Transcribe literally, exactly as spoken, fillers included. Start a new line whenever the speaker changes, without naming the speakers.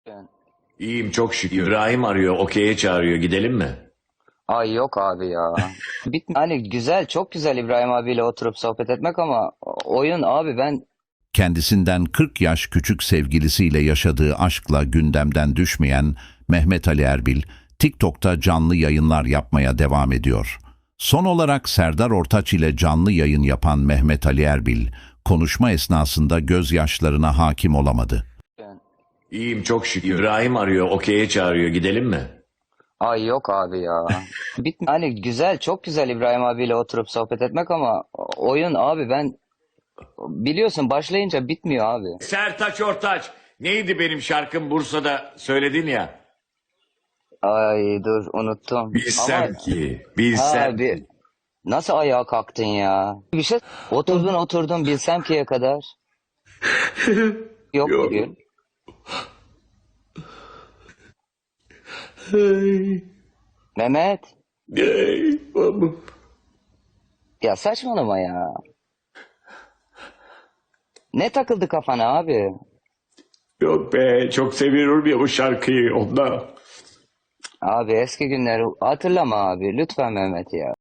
Ben-
İyiyim çok şükür. İbrahim arıyor, okey'e çağırıyor. Gidelim mi?
Ay yok abi ya. Bit hani güzel, çok güzel İbrahim abiyle oturup sohbet etmek ama oyun abi ben
Kendisinden kırk yaş küçük sevgilisiyle yaşadığı aşkla gündemden düşmeyen Mehmet Ali Erbil, TikTok'ta canlı yayınlar yapmaya devam ediyor. Son olarak Serdar Ortaç ile canlı yayın yapan Mehmet Ali Erbil, konuşma esnasında gözyaşlarına hakim olamadı.
ben-
İyiyim çok şükür. İbrahim arıyor, okey'e çağırıyor. Gidelim mi?
Ay yok abi ya. Bit hani güzel, çok güzel İbrahim abiyle oturup sohbet etmek ama oyun abi ben biliyorsun başlayınca bitmiyor abi.
Sertaç Ortaç. Neydi benim şarkım Bursa'da söyledin ya?
Ay dur unuttum.
Bilsem
Ama
ki,
ha
bilsem
abi
ki.
nasıl ayağa kalktın ya? Bir şey oturdun oturdun bilsem ki'ye kadar. Yok
Yok.
bugün.
Ay,
Mehmet
ay, babam.
ya saçmalama ya. Ne takıldı kafana abi?
Yok be, çok seviyorum ya bu şarkıyı ondan.
Abi eski günleri hatırlama abi. Lütfen Mehmet ya.